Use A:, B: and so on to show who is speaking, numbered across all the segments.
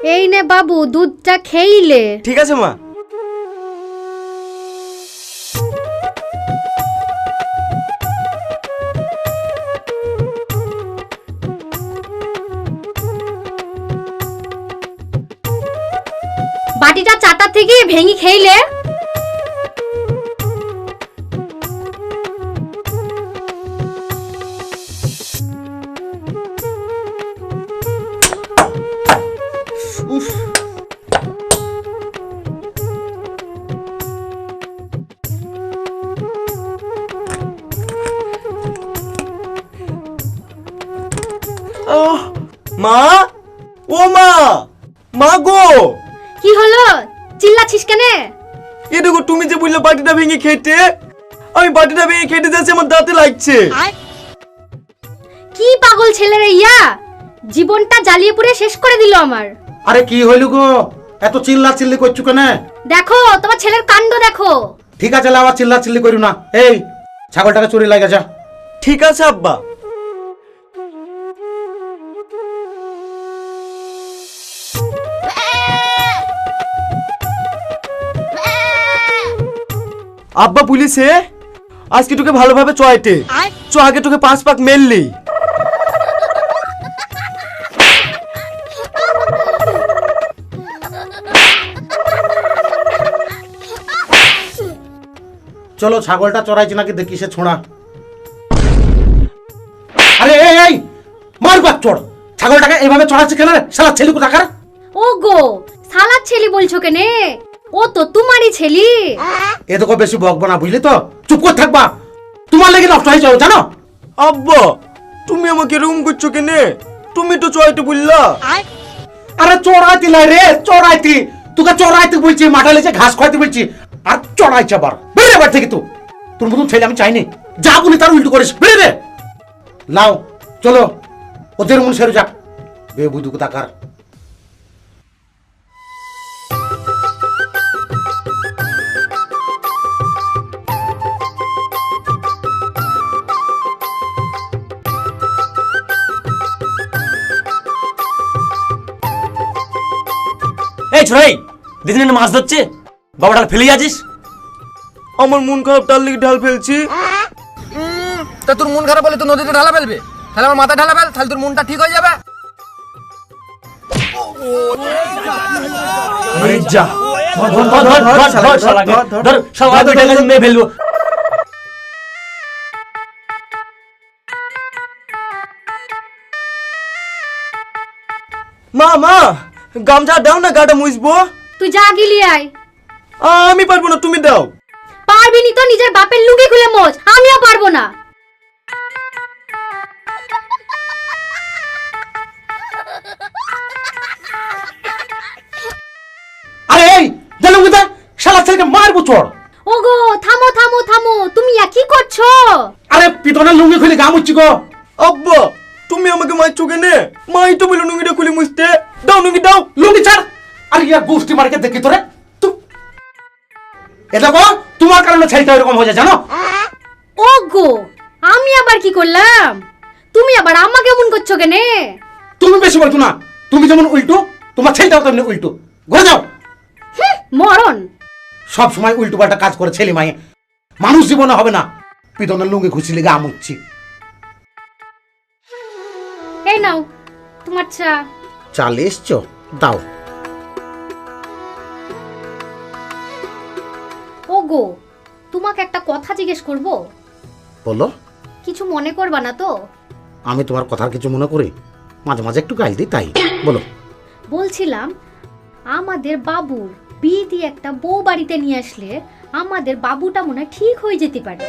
A: এই নে বাবু, দুধটা খেইলে।
B: ঠিক আছে মা।
A: বাটিটা চাটা থেকে ভেঙে খেইলে।
B: উফ, মা, ও মা, মা গো।
A: কি হলো, চিল্লাছিস কেন?
B: এ দেখো, তুমি যে বললে বাটিটা ভেঙে খেতে, আমি বাটিটা ভেঙে খেতে যাচ্ছি, আমার দাঁতে লাগছে।
A: কি পাগল ছেলে রে ইয়া, জীবনটা জ্বালিয়ে পুড়ে শেষ করে দিল আমার।
C: আরে কি হইল গো, এত চিল্লা চিল্লি করছো কেন?
A: দেখো তোমার ছেলের কাণ্ড দেখো।
C: ঠিক আছে, আবার চিল্লা চিল্লি করো না। এই ছাগলটাকে চুরি লাগা যা।
B: ঠিক আছে আব্বা। আব্বা পুলিশে আজকে তোকে ভালোভাবে চয়েটে চ, আগে তোকে 5 পাক মেললি।
C: চলো ছাগলটা চড়াইছি নাকি দেখি সে ছোঁড়া। আরে এই এই মার বাপ চড়, ছাগলটাকে এইভাবে চড়াচ্ছে কেন রে শালা ছেলে কোথাকার?
A: ও গো, সালাদ ছেলি বলছো কেনে? ও তো তোমারই ছেলি।
C: এ দেখো বেশি বকবো না, বুঝলি তো? চুপ করে থাকবা, তোমার লেগে নষ্ট হয়ে যাও জানো।
B: আব্বা তুমি আমাকে রুম করছো কেনে? তুমি তো চয়েটে বললা।
C: আরে চড়াইতি নাই রে, চড়াইতি তোকে চড়াইতে বলছি, মাঠে লেছে ঘাস খাইতে বলছি, আর চড়াইছে আবার। বেরে বার থেকে তো তোর মতন ছেলে আমি চাইনি, যা বলি তার উল্টো করিস। বেরে রে, লাও চলো ওদের মন সেরে যাক বে বুধু কোথাকার।
D: এই ছোড়াই, দিদিন মাছ ধরছে, বাবা ডাল ফেলে যাচ্ছিস।
B: আমার মন খারাপ, তার লিগে ঢাল ফেলছি।
E: তা তোর মন খারাপ হলে তুই নদীতে ঢালা ফেলবে, তাহলে আমার মাথা ঢালা ফেল, তাহলে তোর মনটা ঠিক হয়ে যাবে।
D: আরে যা, ধর ধর ধর ধর ধর শালাকে, ধর শালা দুইটা গাছে মেরে ফেলবো।
B: মা মা, গামছা দাও না, গাটা মুছবো।
A: তুই যা গিলি আয়।
B: আমি পারবো না, তুমি দাও।
A: পারবি নি তো নিজের বাপের লুঙ্গি খুলে মোচ, আমিও পারবো না।
C: আরে এই জানো কোথা, শালা ছেলেকে মারবো চড়।
A: ওগো থামো থামো থামো, তুমি কি করছো?
C: আরে পিতনের লুঙ্গি খুলে গা মুচ্ছি গো।
B: আব্বা তুমি আমাকে মারছো কেনে? মাই তো বলে নুঙ্গিটা খুলে মুছতে দাও, নুঙ্গি দাও।
C: লুঙ্গি ছাড়। আরে ইয়ার গোষ্ঠী মার্কে দেখি তোরে এটা গো, তোমার কারণে ছেলেটা এরকম হয়ে যায় জানো।
A: ওগো আমি আবার কি করলাম? তুমি আবার আমাকে এমন করছো কেনে?
C: তুমি বেশি বলতো না, তুমি যেমন উল্টো তোমার ছেলেটাও তেমনি উল্টো। ঘুরে যাও।
A: মরণ।
C: সব সময় উল্টো পাল্টা কাজ করে ছেলে মায়ে, মানুষ জীবনে হবে না। পিতনের লুঙ্গি খুশি লেগে আমুচ্ছি।
A: এই নাও তোমার চা।
C: চাল এসছো, দাও।
A: ওগো তোমাকে একটা কথা জিজ্ঞেস করব?
C: বলো।
A: কিছু মনে করবা না তো?
C: আমি তোমার কথার কিছু মনে করি, মাঝে মাঝে একটু গাইল দিই তাই। বলো।
A: বলছিলাম আমাদের বাবুর বিয়ে দিয়ে একটা বউ বাড়িতে নিয়ে আসলে আমাদের বাবুটা মনে হয় ঠিক হয়ে যেতে পারে।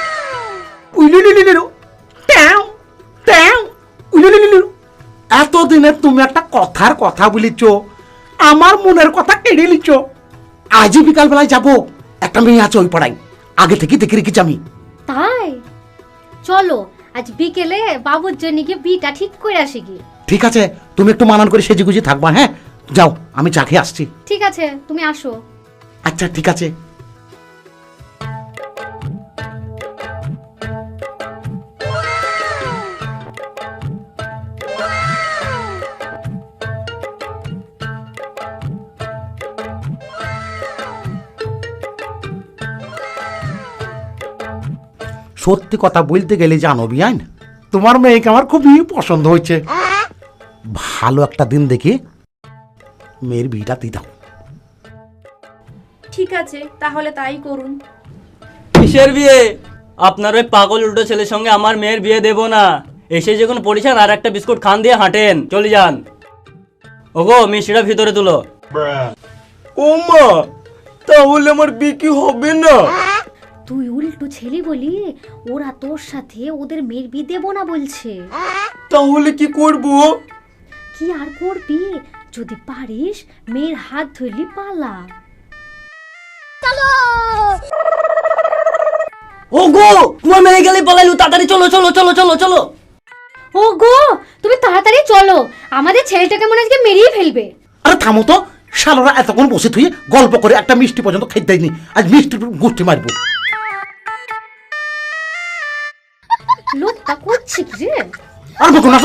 C: এতদিনে তুমি একটা কথার কথা বলিছ, আমার মনের কথা কেড়ে লিছ। আজই বিকাল বেলায় যাবো, একটা মেয়ে আছে ওই পাড়ায়, আগে থেকে দেখে রেখেছি আমি।
A: তাই চলো আজ বিকেলে বাবুর জন্য গিয়ে বিটা ঠিক করে আসি কি?
C: ঠিক আছে, তুমি একটু মানান করে সেজে গুজে থাকবা। হ্যাঁ যাও, আমি চা খেয়ে আসছি।
A: ঠিক আছে তুমি আসো।
C: আচ্ছা ঠিক আছে। সত্যি কথা বলতে গেলে জানো বিয়ান, তোমার মেয়েকে আমার খুবই পছন্দ হয়েছে। ভালো একটা দিন দেখে মেয়ের বিয়েটা দিয়ে দাও।
F: ঠিক আছে, তাহলে তাই করুন।
D: কিসের বিয়ে? আপনার ওই পাগল উল্টো ছেলের সঙ্গে আমার মেয়ের বিয়ে দেব না। এসে যখন পড়েছেন আর একটা বিস্কুট খান দিয়ে হাঁটেন, চলে যান। ওগো মিষ্টিটা ভিতরে তুলো।
B: ও মা, তাহলে আমার বিয়ে কি হবে না?
A: তুই উল্টো ছেলে বলি ওরা তোর সাথে ওদের মেয়ের বিয়ে দেবো না বলছে।
B: তাহলে কি করব?
A: কি আর করবি, যদি পারিস মেয়ের হাত ধরলি পালা।
D: ওগো তোমার মেয়ে গেলে পালাইলু, তাড়াতাড়ি চলো চলো চলো চলো চলো।
A: ও গো, তুমি তাড়াতাড়ি চলো, আমাদের ছেলেটাকে মনে আজকে মেরিয়ে ফেলবে।
C: আরে থামো তো, শালারা এতক্ষণ বসে থুয়ে গল্প করে একটা মিষ্টি পর্যন্ত খেতে দেয়নি, আজ মিষ্টি গুষ্টি মারবো।
A: লোকটা করছে কি রে?
C: আর বকো না তো।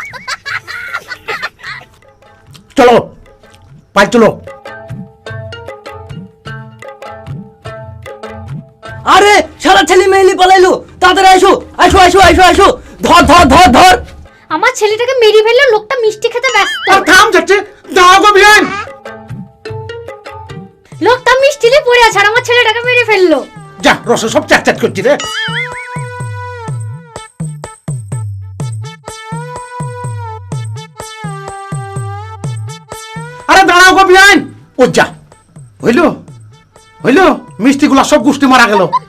C: চলো পাই চলো।
D: আরে সারা ছেলে মেয়েলি পালাইলু, তাড়াতাড়ি আসো আসো আসো আসো আসো। ধর ধর ধর ধর।
A: আমার ছেলেটাকে মেরিয়ে ফেললে, লোকটা মিষ্টি খেতে ব্যস্ত।
C: আর থাম যাচ্ছে, দাও গো বিয়ান।
A: লোকটা মিষ্টি নিয়ে পড়ে আছে আর আমার ছেলেটাকে মেরে ফেললো।
C: যা রসে সব চ্যাট চ্যাট করছি রে। আরে দাঁড়াও গো বিয়ান। ও যা, হইলো হইলো, মিষ্টিগুলা সব গুষ্টি মারা গেল।